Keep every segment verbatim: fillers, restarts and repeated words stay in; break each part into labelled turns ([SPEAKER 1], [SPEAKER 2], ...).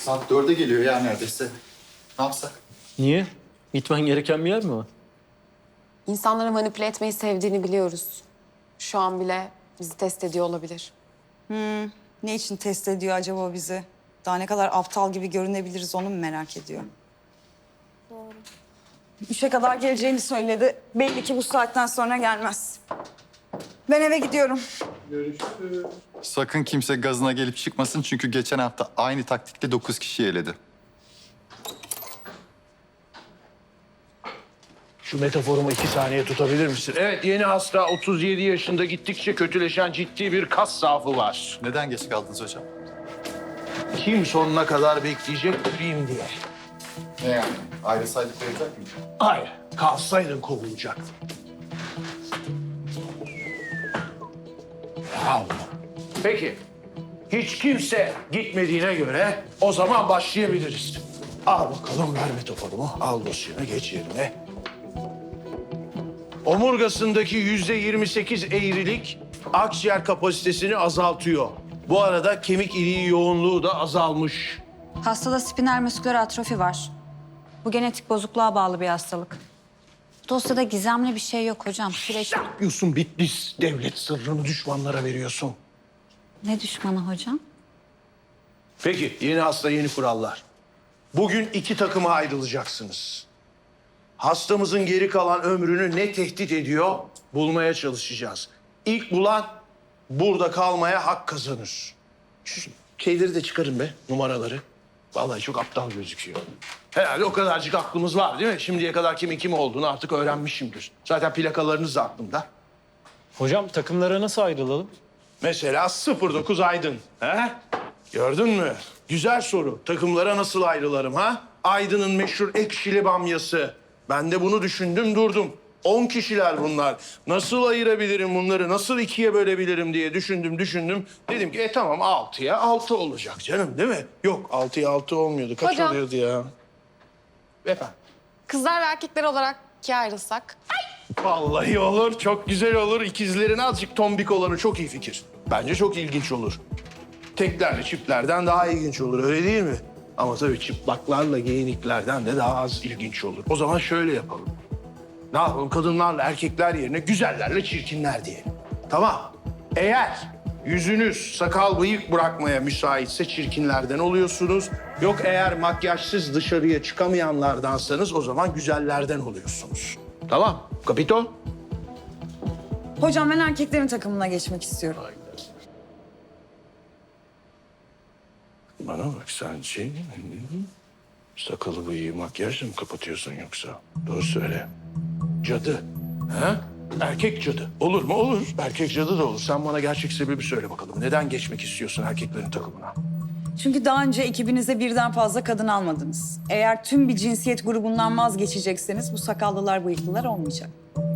[SPEAKER 1] Saat dörde geliyor ya neredeyse. Ne yapsak?
[SPEAKER 2] Niye? Gitmen gereken bir yer mi var?
[SPEAKER 3] İnsanları manipüle etmeyi sevdiğini biliyoruz. Şu an bile bizi test ediyor olabilir.
[SPEAKER 4] Ne için test ediyor acaba bizi? Daha ne kadar aptal gibi görünebiliriz onu mu merak ediyor? Doğru. Üçe kadar geleceğini söyledi. Belli ki bu saatten sonra gelmez. Ben eve gidiyorum.
[SPEAKER 1] Sakın kimse gazına gelip çıkmasın çünkü geçen hafta aynı taktikle dokuz kişi eledi.
[SPEAKER 5] Şu metaforumu iki saniye tutabilir misin? Evet, yeni hasta otuz yedi yaşında, gittikçe kötüleşen ciddi bir kas zaafı var.
[SPEAKER 1] Neden geç kaldınız hocam?
[SPEAKER 5] Kim sonuna kadar bekleyecek bileyim diye.
[SPEAKER 1] Ne yani? Ayrılsaydık verecek mi?
[SPEAKER 5] Hayır, kalsaydın kovulacaktın. Allah. Peki, hiç kimse gitmediğine göre o zaman başlayabiliriz. Al bakalım, ver metaforumu. Al dosyana, geç yerine. Omurgasındaki yüzde yirmi sekiz eğrilik akciğer kapasitesini azaltıyor. Bu arada kemik iliği yoğunluğu da azalmış.
[SPEAKER 4] Hastada spinal musküler atrofi var. Bu genetik bozukluğa bağlı bir hastalık. Dosyada gizemli bir şey yok hocam. Süreç...
[SPEAKER 5] Yapıyorsun Bitlis, devlet sırrını düşmanlara veriyorsun.
[SPEAKER 4] Ne düşmanı hocam?
[SPEAKER 5] Peki, yeni hasta, yeni kurallar. Bugün iki takıma ayrılacaksınız. Hastamızın geri kalan ömrünü ne tehdit ediyor bulmaya çalışacağız. İlk bulan burada kalmaya hak kazanır. Şu şeyleri de çıkarın be, numaraları. Vallahi çok aptal gözüküyor. Herhalde o kadarcık aklımız var değil mi? Şimdiye kadar kimin kim olduğunu artık öğrenmişimdir. Zaten plakalarınız da aklımda.
[SPEAKER 2] Hocam takımlara nasıl ayrılalım?
[SPEAKER 5] Mesela sıfır dokuz Aydın. He? Gördün mü? Güzel soru. Takımlara nasıl ayrılarım ha? Aydın'ın meşhur ekşili bamyası. Ben de bunu düşündüm durdum. On kişiler bunlar. Nasıl ayırabilirim bunları? Nasıl ikiye bölebilirim diye düşündüm düşündüm. Dedim ki e tamam altıya altı olacak canım değil mi? Yok altıya altı olmuyordu. Kaç
[SPEAKER 3] Hocam.
[SPEAKER 5] oluyordu ya? Efendim?
[SPEAKER 3] Kızlar ve erkekler olarak ikiye ayrılsak.
[SPEAKER 5] Vallahi olur. Çok güzel olur. İkizlerin azıcık tombik olanı çok iyi fikir. Bence çok ilginç olur. Teklerle çiftlerden daha ilginç olur. Öyle değil mi? Ama tabii çıplaklarla giyiniklerden de daha az ilginç olur. O zaman şöyle yapalım. Ne yapalım? Kadınlarla erkekler yerine güzellerle çirkinler diyelim. Tamam. Eğer yüzünüz sakal bıyık bırakmaya müsaitse çirkinlerden oluyorsunuz. Yok eğer makyajsız dışarıya çıkamayanlardansanız o zaman güzellerden oluyorsunuz. Tamam. Kapito?
[SPEAKER 4] Hocam ben erkeklerin takımına geçmek istiyorum.
[SPEAKER 5] Bana bak sen şey... Sakalı bıyığı makyajla mı kapatıyorsun yoksa? Doğru söyle. Cadı. Ha? Erkek cadı. Olur mu? Olur. Erkek cadı da olur. Sen bana gerçek sebebi söyle bakalım. Neden geçmek istiyorsun erkeklerin takımına?
[SPEAKER 4] Çünkü daha önce ekibinize birden fazla kadın almadınız. Eğer tüm bir cinsiyet grubundan vazgeçecekseniz bu sakallılar, bıyıklılar olmayacak.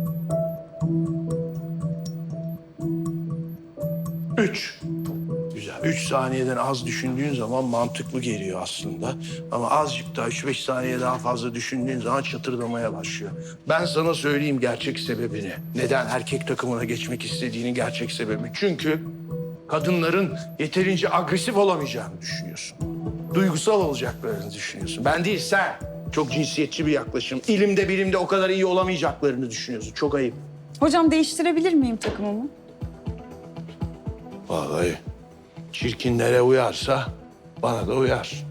[SPEAKER 5] Üç. Güzel. Üç saniyeden az düşündüğün zaman mantıklı geliyor aslında. Ama azıcık daha üç beş saniye daha fazla düşündüğün zaman çatırdamaya başlıyor. Ben sana söyleyeyim gerçek sebebini. Neden erkek takımına geçmek istediğinin gerçek sebebi. Çünkü kadınların yeterince agresif olamayacağını düşünüyorsun. Duygusal olacaklarını düşünüyorsun. Ben değil sen. Çok cinsiyetçi bir yaklaşım. İlimde bilimde o kadar iyi olamayacaklarını düşünüyorsun. Çok ayıp.
[SPEAKER 4] Hocam değiştirebilir miyim takımımı?
[SPEAKER 5] Vallahi çirkinlere uyarsa bana da uyar.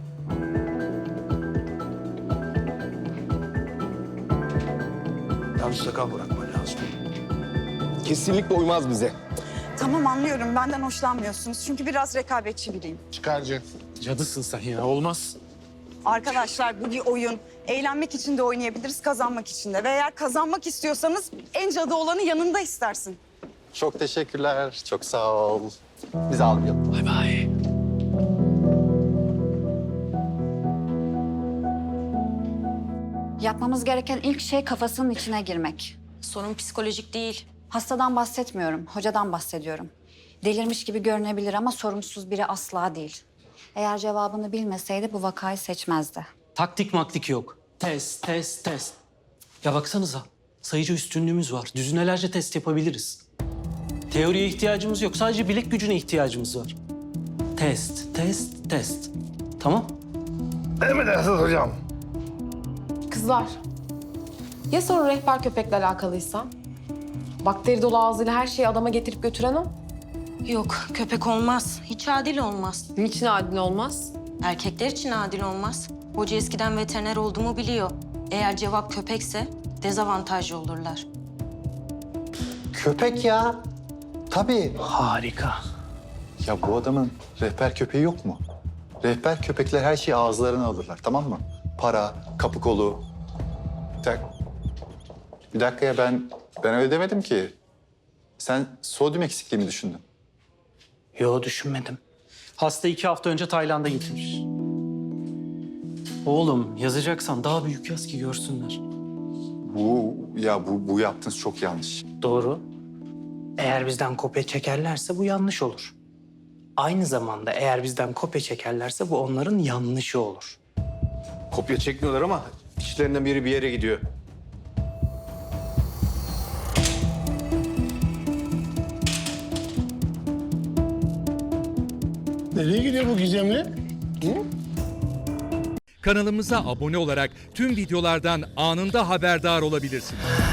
[SPEAKER 5] Yalnız sakal bırakma lazım.
[SPEAKER 6] Kesinlikle uymaz bize.
[SPEAKER 4] Tamam anlıyorum. Benden hoşlanmıyorsunuz. Çünkü biraz rekabetçi biriyim.
[SPEAKER 6] Çıkarcı.
[SPEAKER 2] Cadısın sen ya, olmaz.
[SPEAKER 4] Arkadaşlar bu bir oyun. Eğlenmek için de oynayabiliriz, kazanmak için de. Ve eğer kazanmak istiyorsanız en cadı olanı yanında istersin.
[SPEAKER 1] Çok teşekkürler. Çok sağ ol. Biz almayalım.
[SPEAKER 2] Bay bay.
[SPEAKER 7] Yapmamız gereken ilk şey kafasının içine girmek.
[SPEAKER 8] Sorun psikolojik değil.
[SPEAKER 7] Hastadan bahsetmiyorum, hocadan bahsediyorum. Delirmiş gibi görünebilir ama sorumsuz biri asla değil. Eğer cevabını bilmeseydi bu vakayı seçmezdi.
[SPEAKER 2] Taktik maktik yok. Test, test, test. Ya baksanıza, sayıcı üstünlüğümüz var. Düzinelerce test yapabiliriz. Teoriye ihtiyacımız yok, sadece bilek gücüne ihtiyacımız var. Test, test, test. Tamam?
[SPEAKER 5] Emredersiniz hocam.
[SPEAKER 3] Kızlar, ya sorun rehber köpekle alakalıysa? Bakteri dolu ağzıyla her şeyi adama getirip götüren o.
[SPEAKER 8] Yok, köpek olmaz. Hiç adil olmaz.
[SPEAKER 3] Niçin adil olmaz?
[SPEAKER 8] Erkekler için adil olmaz. Hoca eskiden veteriner olduğumu biliyor. Eğer cevap köpekse dezavantajlı olurlar.
[SPEAKER 1] Köpek ya. Tabii.
[SPEAKER 2] Harika.
[SPEAKER 1] Ya bu adamın rehber köpeği yok mu? Rehber köpekler her şeyi ağızlarına alırlar, tamam mı? Para, kapı kolu. Bir dakika, bir dakika ya ben ben öyle demedim ki. Sen sodyum eksikliği mi düşündün?
[SPEAKER 2] Yo, düşünmedim. Hasta iki hafta önce Tayland'a gitmiş. Oğlum, yazacaksan daha büyük yaz ki görsünler.
[SPEAKER 1] Bu ya bu bu yaptığınız çok yanlış.
[SPEAKER 9] Doğru. Eğer bizden kopya çekerlerse bu yanlış olur. Aynı zamanda eğer bizden kopya çekerlerse bu onların yanlışı olur.
[SPEAKER 6] Kopya çekmiyorlar ama içlerinden biri bir yere gidiyor.
[SPEAKER 5] Nereye gidiyor bu gizemli?
[SPEAKER 10] Kanalımıza abone olarak tüm videolardan anında haberdar olabilirsiniz.